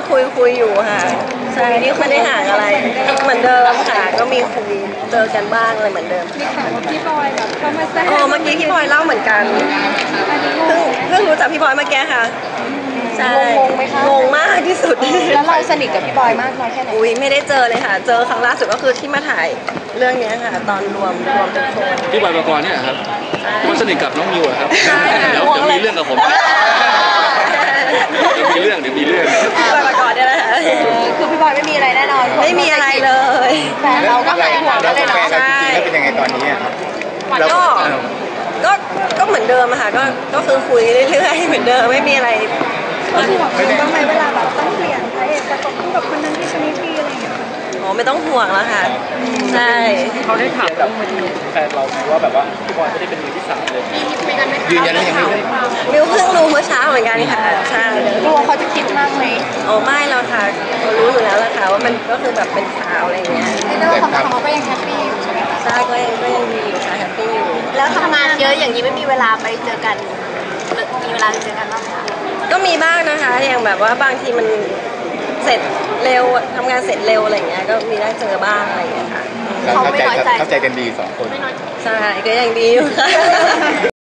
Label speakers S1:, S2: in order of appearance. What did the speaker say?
S1: คุยอยู่ค่ะใช่นี่ไม่ได้ห่างอะไรเหมือนเดิมค่ะก็มีคุยเจอกันบ้างอะไรเหมือนเดิม
S2: มีข่าวว่าพี่บอยแบบเขามาแซว
S1: เมื่อกี้พี่บอยเล่าเหมือนกันเพิ่งรู้จักพี่บอยเมื่อกี้ค่ะใช่
S2: งงไหมคะ
S1: งงมากที่สุด
S2: แล้วเราสนิทกับพี่บอยมากน้อยแค่ไหน
S1: อุ้ยไม่ได้เจอเลยค่ะเจอครั้งล่าสุดก็คือที่มาถ่ายเรื่องนี้ค่ะตอนรวมทุกคน
S3: พี่บอยปกรณ์เนี่ยครับมันสนิทกับน้องมิวเหรอครับเดี๋ยวมีเรื่องกับผมเดี๋ยวมีเรื่องพี่
S1: บอยปกรณ์เนี่ยแหละ
S2: คือพี่บอยไม่มีอะไรแน่นอน
S1: ไม่มีอะไรเลย
S2: แฟนเราก็หายห่วงได้เลยเนาะ
S4: ใช่แล้วเป็นยังไงตอนนี้ครับ
S1: ก็เหมือนเดิมอะค่ะก็คือคุยเรื่อยๆเหมือนเดิมไม่มีอะไร
S2: ห่วงบ้างไหมเวลาแบบต้องเปลี่ยนพระเอกจะตกคู่กับคนนั้นที่ชนิดที่อะไรอย่างเงี้ย
S1: ไม่ต้องห่วงแล้วค่ะใช่
S3: เขาได้ถามแบบแฟนเราไหมว่าแบบว่าพี่บอยไม่ได้เป็นมือที่สามเลย
S4: ยืนยันยังไง
S1: มิวเพิ่งรู้เมื่อเช้าเหมือนกันค่ะใช่
S2: กลัวเขาจะคิดมากไหม
S1: ไม่แล้วค่ะเขารู้อยู่แล้วละค่ะว่ามันก็คือแบบเป็นข่าวอะไรอย่างเงี้ย
S2: ในเรื่องของเขาก็ยังแฮปปี้อยู่ใช่ไหมคะ
S1: ใช่ก็ยังดีอยู่ค่ะแฮปปี้อยู่
S2: แล้วทำงานเยอะอย่างนี้ไม่มีเวลาไปเจอกันมีเวลาไปเจอกันบ้างไหมคะ
S1: ก็มีบ้างนะคะอย่างแบบว่าบางทีมันเสร็จเร็วทำงานเสร็จเร็วอะไรอย่างเงี้ยก็มีได้เจอบ้างอะไรอย่างเงี้ยค่ะ
S4: เข้าใจกันดี2 คน
S1: ใช่ก็ยังดีอยู่ค่ะ